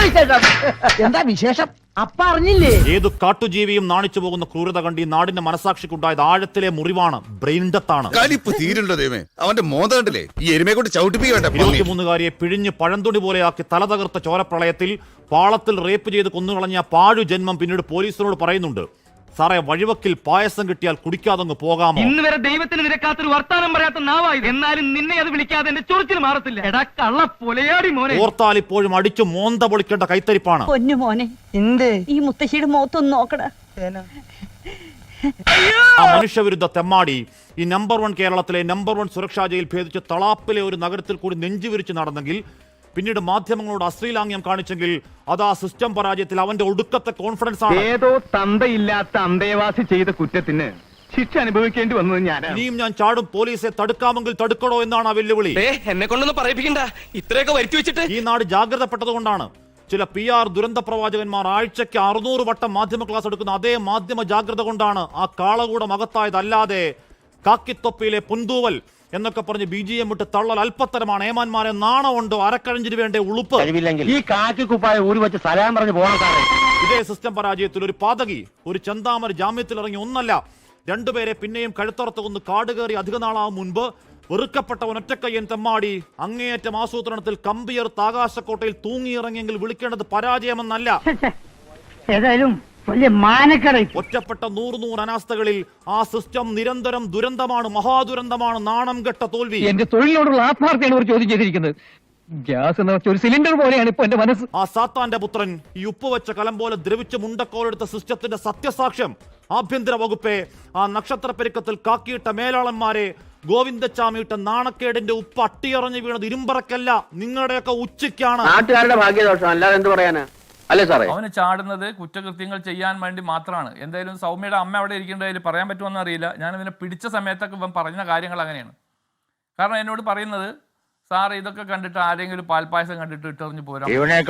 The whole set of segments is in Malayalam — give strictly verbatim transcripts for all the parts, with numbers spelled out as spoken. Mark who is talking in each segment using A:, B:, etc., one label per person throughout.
A: എന്താ വിശേഷം? അപ്പ അറിഞ്ഞില്ലേ?
B: ഏതു കാട്ടുജീവിയും നാണിച്ചു പോകുന്ന ക്രൂരത കണ്ട് ഈ നാടിന്റെ മനസാക്ഷിക്കുണ്ടായത് ആഴത്തിലെ മുറിവാണ്, ബ്രെയിൻ ഡെത്താണ്.
C: അവന്റെ മോന്ത കണ്ടില്ലേ? ഈ എരുമയെ കൊണ്ട് ചവിട്ടിപ്പിക്കേണ്ട.
B: ഇരുപത്തിമൂന്നുകാരിയെ പിഴിഞ്ഞ് പഴന്തുണി പോലെയാക്കി തല തകർത്ത ചോരപ്രളയത്തിൽ പാളത്തിൽ റേപ്പ് ചെയ്ത് കൊന്നുകളഞ്ഞ പാഴു ജന്മം പിന്നീട് പോലീസിനോട് പറയുന്നുണ്ട്, സാറേ വഴിവക്കിൽ പായസം കിട്ടിയാൽ കുടിക്കാതങ്ങ് പോകാമോ?
D: ഇന്ന് വരെ ദൈവത്തിന് നിരക്കാത്തൊരു വർത്താനം പറയാത്ത നാവായത്, എന്നാലും നിന്നെ അത് വിളിക്കാതെ എന്റെ ചൊറിച്ചിൽ മാറത്തില്ല. എടാ കള്ള പൊലയാടി മോനെ.
B: ഓർത്താൽ ഇപ്പോഴും അടിച്ചു മോന്ത പൊളിക്കേണ്ട കൈത്തരിപ്പാണ്.
E: പൊന്നു മോനെ,
A: എന്ത്
E: ഈ മുത്തശ്ശിയുടെ മുഖത്തൊന്ന് നോക്കടാ.
B: ആ മനുഷ്യവിരുദ്ധ തെമ്മാടി ഈ നമ്പർ വൺ കേരളത്തിലെ നമ്പർ വൺ സുരക്ഷാ ജയിൽ ഭേദിച്ച് തളാപ്പിലെ ഒരു നഗരത്തിൽ കൂടി നെഞ്ചുവിരിച്ച് നടന്നെങ്കിൽ, പിന്നീട് മാധ്യമങ്ങളോട് അശ്ലീലാംഗ്യം കാണിച്ചെങ്കിൽ, അത് ആ സിസ്റ്റം പരാജയത്തിൽ അവന്റെ ഒടുക്കത്തെ കോൺഫിഡൻസ് ആണ്.
D: ഏതോ തന്തയില്ലാത്ത അന്തേവാസി ചെയ്ത കുറ്റത്തിന് ശിക്ഷ അനുഭവിക്കേണ്ടി വന്നത് ഞാനാണ്.
B: ഇനിയും ഞാൻ ചാടും, പോലീസെ തടുക്കാമെങ്കിൽ തടുക്കണോ എന്നാണ് ആ വെല്ലുവിളി.
F: എന്നെ കൊണ്ടൊന്നും പറയിപ്പിക്കണ്ട, ഇത്രയൊക്കെ വരുത്തി വെച്ചിട്ട്.
B: ഈ നാട് ജാഗ്രതപ്പെട്ടതുകൊണ്ടാണ് ചില പി ആർ ദുരന്ത പ്രവാചകന്മാർ ആഴ്ചയ്ക്ക് അറുന്നൂറ് വട്ടം മാധ്യമ ക്ലാസ് എടുക്കുന്ന അതേ മാധ്യമ ജാഗ്രത കൊണ്ടാണ് ആ കാളകൂടം അകത്തായതല്ലാതെ കാക്കിത്തൊപ്പിയിലെ പുന്തൂവൽ എന്നൊക്കെ പറഞ്ഞ് ബി ജി എം വിട്ട് തള്ളൽ അല്പത്തരമാണ്. ഏമാന്മാരെ നാണമുണ്ടോ? അരക്കഴഞ്ചിന് വേണ്ട ഉളുപ്പ്.
A: ഈ കാക്കി കുപ്പായ ഊരി വെച്ച് സലാം പറഞ്ഞ് പോകണം സാറേ.
B: ഇതേ സിസ്റ്റം പരാജയത്തിൽ ഒരു പാതകി, ഒരു ചന്താമര ജാമ്യത്തിൽ ഇറങ്ങി ഒന്നല്ല രണ്ടുപേരെ പിന്നെയും കഴുത്തറത്ത് കൊന്ന് കാട് കയറി അധിക നാളാവും മുൻപ് വെറുക്കപ്പെട്ട ഒറ്റക്കയ്യൻ തെമ്മാടി അങ്ങേയറ്റം ആസൂത്രണത്തിൽ കമ്പിയർത്ത് ആകാശക്കോട്ടയിൽ തൂങ്ങിയിറങ്ങിയെങ്കിൽ വിളിക്കേണ്ടത് പരാജയമെന്നല്ല,
A: ഏതായാലും വലിയ മാനക്കട.
B: ഒറ്റപ്പെട്ട നൂറ് നൂറ് അനാസ്ഥകളിൽ ആ സിസ്റ്റം നിരന്തരം ദുരന്തമാണ്, മഹാദുരന്തമാണ്, നാണം കെട്ട തോൽവി.
D: എന്റെ തൊഴിലിനോടുള്ള ആത്മാർത്ഥയാണ് ഒരു ചോദ്യം ചെയ്തിരിക്കുന്നത്. ഗ്യാസ് എന്ന് വെച്ച ഒരു സിലിണ്ടർ പോലെയാണ് ഇപ്പൊ എന്റെ മനസ്സ്.
B: ആ സാത്താന്റെ പുത്രൻ ഈ ഉപ്പ് വെച്ച കലം പോലെ ദ്രവിച്ച് മുണ്ടക്കോലെടുത്ത സിസ്റ്റത്തിന്റെ സത്യസാക്ഷ്യം ആഭ്യന്തര വകുപ്പെ, ആ നക്ഷത്ര പെരുക്കത്തിൽ കാക്കിയിട്ട മേലാളന്മാരെ, ഗോവിന്ദച്ചാമിയിട്ട നാണക്കേടിന്റെ ഉപ്പ് അട്ടിയറഞ്ഞു വീണത് ഇരുമ്പറക്കല്ല, നിങ്ങളുടെയൊക്കെ ഉച്ചയ്ക്കാണ്.
G: നാട്ടുകാരുടെ ഭാഗ്യദോഷം, അല്ലാതെ എന്ത് പറയാനാ? അല്ലേ സാറേ?
H: അവന് ചാടുന്നത് കുറ്റകൃത്യങ്ങൾ ചെയ്യാൻ വേണ്ടി മാത്രമാണ്. എന്തായാലും സൗമ്യയുടെ അമ്മ അവിടെ ഇരിക്കേണ്ടതിൽ പറയാൻ പറ്റുമെന്ന് അറിയില്ല. ഞാൻ ഇവനെ പിടിച്ച സമയത്തൊക്കെ ഇവൻ പറഞ്ഞ കാര്യങ്ങൾ അങ്ങനെയാണ്. കാരണം എന്നോട് പറയുന്നത്, സാർ ഇതൊക്കെ കണ്ടിട്ട് ആരെങ്കിലും പാൽപ്പായസം കണ്ടിട്ട് ഇട്ടെറിഞ്ഞു പോരാ,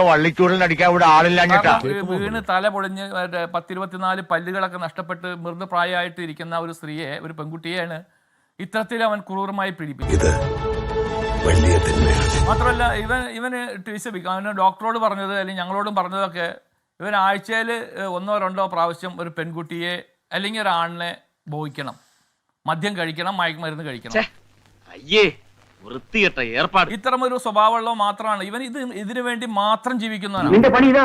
H: വീണ് തല പൊളിഞ്ഞ് പത്തിരുപത്തിനാല് പല്ലുകളൊക്കെ നഷ്ടപ്പെട്ട് മൃതപ്രായമായിട്ട് ഇരിക്കുന്ന ഒരു സ്ത്രീയെ, ഒരു പെൺകുട്ടിയെയാണ് ഇത്തരത്തിൽ അവൻ ക്രൂരമായി പീഡിപ്പിച്ചത്. മാത്രമല്ല ഇവൻ ഇവന് ട്യൂഷൻ അവന് ഡോക്ടറോട് പറഞ്ഞത് അല്ലെങ്കിൽ ഞങ്ങളോടും പറഞ്ഞതൊക്കെ, ഇവൻ ആഴ്ചയിൽ ഒന്നോ രണ്ടോ പ്രാവശ്യം ഒരു പെൺകുട്ടിയെ അല്ലെങ്കിൽ ഒരു ആണിനെ ബോധിക്കണം, മദ്യം കഴിക്കണം, മയക്കുമരുന്ന് കഴിക്കണം. ഇത്തരം ഒരു സ്വഭാവമുള്ള മാത്രമാണ് ഇവൻ. ഇത് ഇതിനു വേണ്ടി മാത്രം ജീവിക്കുന്നവനാണ്.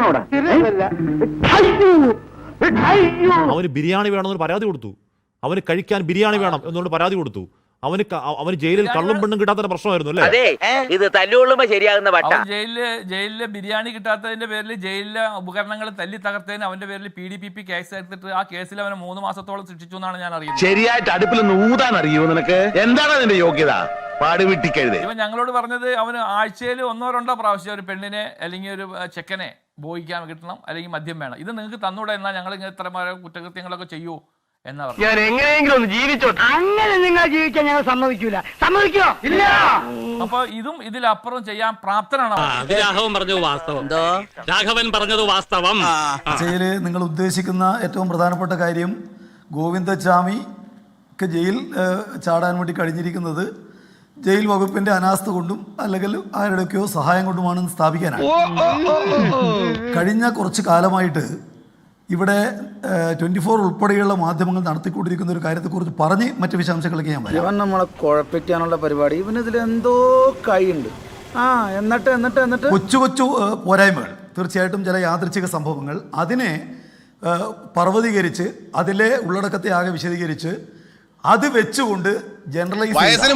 B: അവന് ബിരിയാണി വേണമെന്ന് പരാതി കൊടുത്തു, അവന് കഴിക്കാൻ ബിരിയാണി വേണം എന്നുകൊണ്ട് പരാതി കൊടുത്തു. അവന് അവന് ജയിലിൽ കള്ളും പെണ്ണും കിട്ടാത്ത പ്രശ്നമായിരുന്നു അല്ലേ?
G: ഇത് തല്ലുകൊള്ളുമ്പോ ശരിയാകുന്ന
H: ജയിലില് ജയിലില് ബിരിയാണി കിട്ടാത്തതിന്റെ പേരിൽ ജയിലിലെ ഉപകരണങ്ങൾ തല്ലി തകർത്തതിന് അവന്റെ പേരിൽ P D P P case എടുത്തിട്ട് ആ കേസിൽ അവനെ മൂന്ന് മാസത്തോളം ശിക്ഷിച്ചു എന്നാണ് ഞാൻ അറിയുന്നത്.
C: ശരിയായിട്ട് അടുപ്പിൽ ഊതാൻ അറിയോ നിനക്ക്? എന്താണ് അതിന്റെ യോഗ്യത? പാടുവിട്ടിക്കരുത്.
H: ഇവൻ ഞങ്ങളോട് പറഞ്ഞത്, അവന് ആഴ്ചയിൽ ഒന്നോ രണ്ടോ പ്രാവശ്യം ഒരു പെണ്ണിനെ അല്ലെങ്കിൽ ഒരു ചെക്കനെ ബോധിക്കാൻ കിട്ടണം, അല്ലെങ്കിൽ മദ്യം വേണം. ഇത് നിങ്ങൾക്ക് തന്നൂടെ എന്നാൽ ഞങ്ങൾ ഇങ്ങനെ ഇത്ര കുറ്റകൃത്യങ്ങളൊക്കെ ചെയ്യൂ എന്നാ പറഞ്ഞു.
D: ഞാൻ എങ്ങനെയെങ്കിലും ഒന്ന് ജീവിച്ചോ.
A: അങ്ങനെ നിങ്ങൾ ജീവിക്കാൻ ഞങ്ങൾ സമ്മതിക്കൂല. സമ്മതിക്കോ? ഇല്ല.
H: അപ്പൊ ഇതും ഇതിലപ്പുറം ചെയ്യാൻ പ്രാപ്തനാണ്.
F: രാഘവൻ പറഞ്ഞത് വാസ്തവം. രാഘവൻ പറഞ്ഞത് വാസ്തവം.
I: ജയില് നിങ്ങൾ ഉദ്ദേശിക്കുന്ന ഏറ്റവും പ്രധാനപ്പെട്ട കാര്യം, ഗോവിന്ദച്ചാമിക്ക് ജയിൽ ചാടാൻ വേണ്ടി കഴിഞ്ഞിരിക്കുന്നത് ജയിൽ വകുപ്പിന്റെ അനാസ്ഥ കൊണ്ടും അല്ലെങ്കിൽ ആരുടെയൊക്കെയോ സഹായം കൊണ്ടുമാണെന്ന് സ്ഥാപിക്കാനാണ്. കഴിഞ്ഞ കുറച്ച് കാലമായിട്ട് ഇവിടെ ട്വന്റി ഫോർ ഉൾപ്പെടെയുള്ള മാധ്യമങ്ങൾ നടത്തിക്കൊണ്ടിരിക്കുന്ന ഒരു കാര്യത്തെക്കുറിച്ച് പറഞ്ഞ് മറ്റു വിശദാംശങ്ങളിലേക്ക് ഞാൻ പറയാം.
J: ഇവൻ നമ്മളെ കുഴപ്പിക്കാനുള്ള പരിപാടി, ഇവനിതിൽ എന്തോ കൈയുണ്ട്. ആ എന്നിട്ട് എന്നിട്ട് എന്നിട്ട്
I: കൊച്ചു കൊച്ചു പോരായ്മകൾ, തീർച്ചയായിട്ടും ചില യാദൃച്ഛിക സംഭവങ്ങൾ, അതിനെ പർവ്വതീകരിച്ച് അതിലെ ഉള്ളടക്കത്തെ ആകെ വിശദീകരിച്ച് അത് വെച്ചുകൊണ്ട് ജനറലൈസ്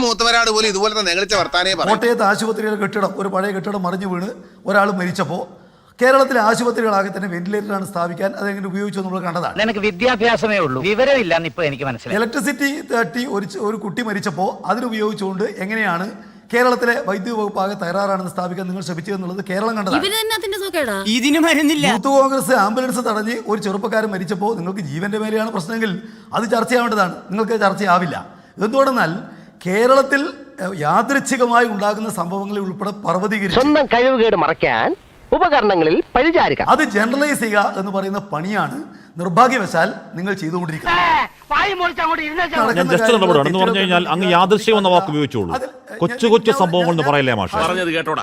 I: കോട്ടയത്ത് ആശുപത്രിയിലെ കെട്ടിടം, ഒരു പഴയ കെട്ടിടം മറിഞ്ഞു വീണ് ഒരാൾ മരിച്ചപ്പോൾ കേരളത്തിലെ ആശുപത്രികളാകെ തന്നെ വെന്റിലേറ്ററാണ് സ്ഥാപിക്കാൻ അതെങ്ങനെ ഉപയോഗിച്ചു നമ്മൾ കണ്ടതാണ്.
A: എനിക്ക് വിദ്യാഭ്യാസമേ ഉള്ളൂ, വിവരമില്ലാന്ന് ഇപ്പൊ എനിക്ക് മനസ്സിലായി.
I: ഇലക്ട്രിസിറ്റി തട്ടി ഒരു ഒരു കുട്ടി മരിച്ചപ്പോൾ അതിനുപയോഗിച്ചുകൊണ്ട് എങ്ങനെയാണ് കേരളത്തിലെ വൈദ്യുതി വകുപ്പ് ആകെ തകരാറാണെന്ന് സ്ഥാപിക്കാൻ നിങ്ങൾ ശ്രമിച്ചതെന്നുള്ളത് കേരളം കണ്ടതാണ്. യൂത്ത് കോൺഗ്രസ് ആംബുലൻസ് തടഞ്ഞ് ഒരു ചെറുപ്പക്കാരൻ മരിച്ചപ്പോൾ നിങ്ങൾക്ക് ജീവന്റെ മേലെയാണ് പ്രശ്നമെങ്കിൽ അത് ചർച്ചയാവേണ്ടതാണ്. നിങ്ങൾക്ക് ചർച്ചയാവില്ല. എന്തുകൊണ്ടെന്നാൽ കേരളത്തിൽ യാദൃച്ഛികമായി ഉണ്ടാകുന്ന സംഭവങ്ങളിൽ ഉൾപ്പെടെ പർവ്വതീകരിച്ച്
G: സ്വന്തം കഴിവുകേട് മറയ്ക്കാൻ ഉപകരണങ്ങളിൽ പരിചാരിക്കാം.
I: അത് ജനറലൈസ് ചെയ്യുക എന്ന് പറയുന്ന പണിയാണ് നിർഭാഗ്യവശാൽ നിങ്ങൾ ചെയ്തുകൊണ്ടിരിക്കുന്നത്.
B: ഞാൻ ജസ്റ്റ് ഇടപെടാണ് എന്ന് പറഞ്ഞു കഴിഞ്ഞാൽ അങ്ങ് യാദൃശ്യം എന്ന വാക്ക് ഉപയോഗിച്ചോളൂ. കൊച്ചു കൊച്ചു സംഭവങ്ങൾ എന്ന് പറയില്ലേ മാഷ്?
C: പറഞ്ഞത് കേട്ടോടാ.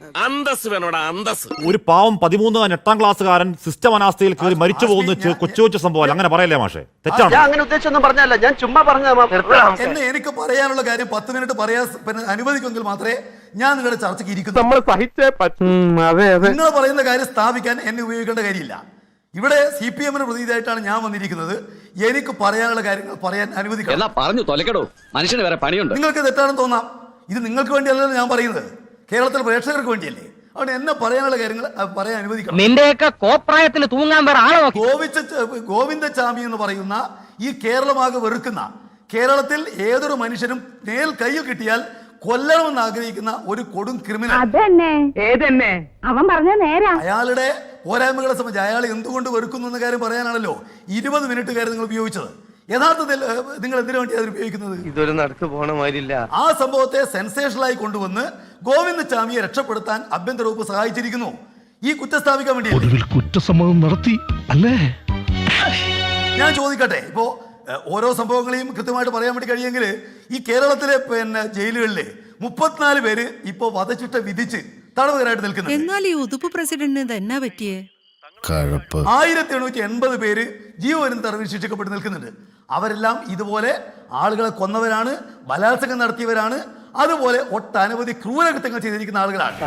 C: അന്തസ് വേണോടാ അന്തസ്.
B: ഒരു പാവം പതിമൂന്ന് എട്ടാം ക്ലാസ്സുകാരൻ സിസ്റ്റം അനാസ്ഥയിൽ കയറി മരിച്ചു പോകുന്ന ചെ- കൊച്ചു കൊച്ചു സംഭവം അങ്ങനെ പറയല്ലേ മാഷെ? തെറ്റാണ്.
G: ഞാൻ അങ്ങനെ ഉദ്ദേശിച്ചൊന്നും പറഞ്ഞല്ല, ഞാൻ ചുമ്മാ പറഞ്ഞ
I: എന്നെ എനിക്ക് പറയാനുള്ള കാര്യം പത്ത് മിനിറ്റ് പറയാൻ പിന്നെ അനുവദിക്കുമെങ്കിൽ മാത്രമേ ഞാൻ നിങ്ങളുടെ ചർച്ചയ്ക്ക് ഇരിക്കുന്നു.
G: നമ്മൾ സഹിച്ചേ പറ്റും. അതെ അതെ.
I: നിങ്ങൾ പറയുന്ന കാര്യം സ്ഥാപിക്കാൻ എന്നെ ഉപയോഗിക്കേണ്ട കാര്യമില്ല. ഇവിടെ സി പി എമ്മിന് പ്രതിനിധിയായിട്ടാണ് ഞാൻ വന്നിരിക്കുന്നത്. എനിക്ക് പറയാനുള്ള കാര്യങ്ങൾ പറയാൻ അനുവദിക്കണം.
F: പറഞ്ഞു തൊലക്കടോ, മനുഷ്യന് വേറെ പണിയുണ്ട്.
I: നിങ്ങൾക്ക് തെറ്റാണെന്ന് തോന്നാം. ഇത് നിങ്ങൾക്ക് വേണ്ടിയല്ലല്ലോ ഞാൻ പറയുന്നത്, കേരളത്തിലെ പ്രേക്ഷകർക്ക് വേണ്ടിയല്ലേ. അതുകൊണ്ട് എന്നെ പറയാനുള്ള കാര്യങ്ങൾ പറയാൻ അനുവദിക്കണം.
D: നിന്റെയൊക്കെ കോപ്രായത്തിന് തൂങ്ങാൻ വേറെ ആളോ?
I: ഗോവിച്ച ഗോവിന്ദചാമി എന്ന് പറയുന്ന ഈ കേരളമാകെ വെറുക്കുന്ന, കേരളത്തിൽ ഏതൊരു മനുഷ്യനും നേൽ കയ്യിൽ കിട്ടിയാൽ കൊല്ലണമെന്ന് ആഗ്രഹിക്കുന്ന ഒരു കൊടും ക്രിമിനൽ.
E: അതന്നെ ഏതെന്നെ അവൻ പറഞ്ഞ നേരാ.
I: അയാളുടെ പോരായ്മകളെ സംബന്ധിച്ച് അയാൾ എന്തുകൊണ്ട് വെറുക്കുന്നു എന്ന കാര്യം പറയാനാണല്ലോ ഇരുപത് മിനിറ്റ് കാര്യം നിങ്ങൾ ഉപയോഗിച്ചത്. യഥാർത്ഥത്തിൽ നിങ്ങൾ എന്തിനു വേണ്ടി അത് ഉപയോഗിക്കുന്നത്?
G: ഇതൊരു നടക്ക് പോണ മാതിരില്ല.
I: ആ സംഭവത്തെ സെൻസേഷനായി കൊണ്ടുവന്ന് ഗോവിന്ദചാമിയെ രക്ഷപ്പെടുത്താൻ ആഭ്യന്തര വകുപ്പ് സഹായിച്ചിരിക്കുന്നു. ഈ കുറ്റം സ്ഥാപിക്കാൻ വേണ്ടി
C: കുറ്റസമ്മതം നടത്തി അല്ലേ?
I: ഞാൻ ചോദിക്കട്ടെ, ഇപ്പോ ഓരോ സംഭവങ്ങളെയും കൃത്യമായിട്ട് പറയാൻ വേണ്ടി കഴിയുമെങ്കിൽ ഈ കേരളത്തിലെ പിന്നെ ജയിലുകളിലെ മുപ്പത്തിനാല് പേര് ഇപ്പോ വധശിക്ഷ വിധിച്ച് തടവുകാരായിട്ട് നിൽക്കുന്നത്.
E: എന്നാൽ ഈ ഉതുപ്പ് പ്രസിഡന്റിന് എന്നാ പറ്റിയേ?
I: ആയിരത്തി എണ്ണൂറ്റി എൺപത് പേര് ജീവപര്യന്തം തടവിൽ ശിക്ഷിക്കപ്പെട്ട് നിൽക്കുന്നുണ്ട്. അവരെല്ലാം ഇതുപോലെ ആളുകളെ കൊന്നവരാണ്, ബലാത്സംഗം നടത്തിയവരാണ്, അതുപോലെ ഒട്ടനവധി ക്രൂരകൃത്യങ്ങൾ ചെയ്തിരിക്കുന്ന ആളുകളാണ്.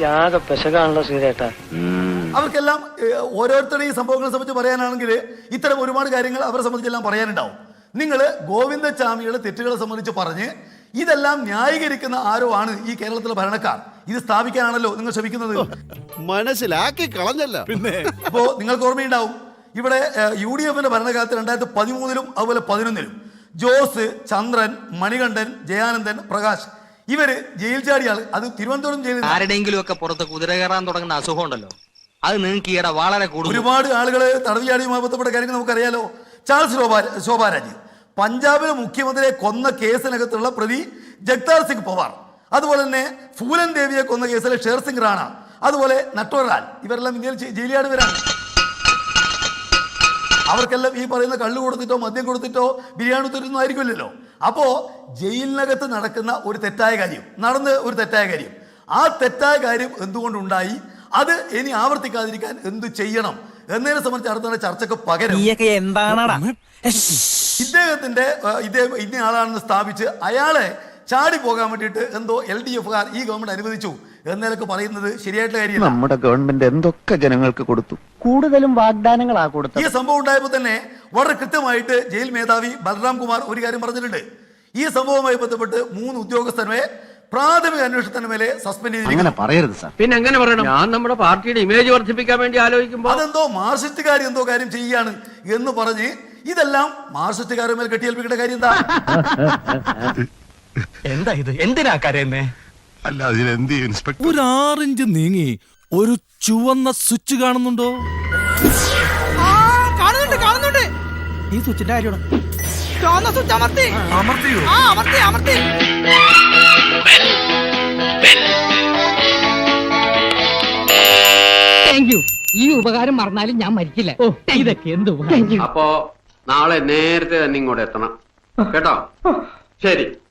I: അവർക്കെല്ലാം ഓരോരുത്തരുടെയും ഈ സംഭവങ്ങളെ സംബന്ധിച്ച് പറയാനാണെങ്കിൽ ഇത്തരം ഒരുപാട് കാര്യങ്ങൾ അവരെ സംബന്ധിച്ചെല്ലാം പറയാനുണ്ടാവും. നിങ്ങൾ ഗോവിന്ദചാമിയുടെ തെറ്റുകളെ സംബന്ധിച്ച് പറഞ്ഞ് ഇതെല്ലാം ന്യായീകരിക്കുന്ന ആരോ ആണ് ഈ കേരളത്തിലെ ഭരണക്കാർ. ഇത് സ്ഥാപിക്കാനാണല്ലോ നിങ്ങൾ ശ്രമിക്കുന്നത്.
C: മനസ്സിലാക്കി കളഞ്ഞല്ല. പിന്നെ
I: അപ്പോ നിങ്ങൾക്ക് ഓർമ്മയുണ്ടാവും, ഇവിടെ യു ഡി എഫിന്റെ ഭരണകാലത്ത് രണ്ടായിരത്തി പതിമൂന്നിലും അതുപോലെ പതിനൊന്നിലും ജോസ്, ചന്ദ്രൻ, മണികണ്ഠൻ, ജയാനന്ദൻ, പ്രകാശ് ഇവര് ജയിൽ ചാടിയാൾ. അത് തിരുവനന്തപുരം ജയിലിൽ
D: ആരുടെയെങ്കിലും ഒക്കെ പുറത്ത് കുതിര കയറാൻ തുടങ്ങുന്ന അസുഖം ഉണ്ടല്ലോ, അത് നിങ്ങൾക്ക് ഈയിടെ വളരെ കൂടുതൽ.
I: ഒരുപാട് ആളുകള് തടവ് ചാടിയുമായി ബന്ധപ്പെട്ട കാര്യങ്ങൾ നമുക്കറിയാലോ. ചാൾസ് ശോഭാരാജ് പഞ്ചാബിലെ മുഖ്യമന്ത്രിയെ കൊന്ന കേസിനകത്തുള്ള പ്രതി ജഗ്താർ സിംഗ് പവാർ, അതുപോലെ തന്നെ ഫൂലൻ ദേവിയെ കൊന്ന കേസിലെ ഷേർ സിംഗ് റാണ, അതുപോലെ നട്ടോറാൽ, ഇവരെല്ലാം ഇന്ത്യയിൽ ജയിലിയാടുവരാണ്. അവർക്കെല്ലാം ഈ പറയുന്ന കള്ളു കൊടുത്തിട്ടോ മദ്യം കൊടുത്തിട്ടോ ബിരിയാണി കൊടുത്തിട്ടൊന്നും ആയിരിക്കില്ലല്ലോ. അപ്പോ ജയിലിനകത്ത് നടക്കുന്ന ഒരു തെറ്റായ കാര്യം, നടന്ന ഒരു തെറ്റായ കാര്യം, ആ തെറ്റായ കാര്യം എന്തുകൊണ്ടുണ്ടായി, അത് ഇനി ആവർത്തിക്കാതിരിക്കാൻ എന്ത് ചെയ്യണം എന്നതിനെ സംബന്ധിച്ച് അടുത്ത ചർച്ചക്ക് പകരം ഇദ്ദേഹത്തിന്റെ ഇദ്ദേഹം ഇന്ന ആളാണെന്ന് സ്ഥാപിച്ച് അയാളെ ചാടി പോകാൻ വേണ്ടിയിട്ട് എന്തോ എൽ ഡി എഫുകാർ ഈ ഗവൺമെന്റ് അനുവദിച്ചു എന്നൊക്കെ പറയുന്നത് ശരിയായിട്ടുള്ള കാര്യമല്ല.
J: നമ്മുടെ ഗവൺമെന്റ് എന്തൊക്കെ ജനങ്ങൾക്ക് കൊടുത്തു, കൂടുതലും വാഗ്ദാനങ്ങളാ കൊടുത്തു.
I: ഈ സംഭവം ഉണ്ടായപ്പോൾ തന്നെ വളരെ കൃത്യമായിട്ട് ജയിൽ മേധാവി ബൽറാം കുമാർ ഒരു കാര്യം പറഞ്ഞിട്ടുണ്ട്. ഈ സംഭവവുമായി ബന്ധപ്പെട്ട് മൂന്ന് ഉദ്യോഗസ്ഥരെ പ്രാഥമിക അന്വേഷണത്തിന് മേലെ സസ്പെൻഡ് ചെയ്തിരിക്കുന്നു.
G: പറയരുത് സാർ. പിന്നെ എങ്ങനെ പറയണം? ഞാൻ നമ്മുടെ പാർട്ടിയുടെ ഇമേജ് വർദ്ധിപ്പിക്കാൻ വേണ്ടി ആലോചിക്കുമ്പോൾ
I: അതെന്തോ മാർക്സിസ്റ്റുകാർ എന്തോ കാര്യം ചെയ്യാണ് എന്ന് പറഞ്ഞ് ഇതെല്ലാം മാർക്സിസ്റ്റുകാരുടെ മേൽ കെട്ടിയേൽപ്പിക്കേണ്ട കാര്യം എന്താ?
G: എന്താ ഇത്? എന്തിനാ കരയുന്നേ?
C: അല്ല അതിലെന്ത് ഇൻസ്പെക്ടർ?
K: ഒരു ആറിഞ്ച് നീങ്ങി ഒരു ചുവന്ന സ്വിച്ച് കാണുന്നുണ്ടോ?
E: കാണുന്നുണ്ട് കാണുന്നുണ്ട്.
K: ഈ സ്വിച്ചിന്റെ കാര്യമാണ്.
E: ചുവന്ന സ്വിച്ച് അമർത്തി
I: അമർത്തിയോ?
E: ആ അമർത്തി അമർത്തി.
D: Thank you. ഈ ഉപകാരം മറന്നാലും ഞാൻ മരിക്കില്ല. ഇതൊക്കെ എന്ത്
G: അപ്പോ നാളെ നേരത്തെ തന്നെ ഇങ്ങോട്ട് എത്തണം കേട്ടോ. ശരി.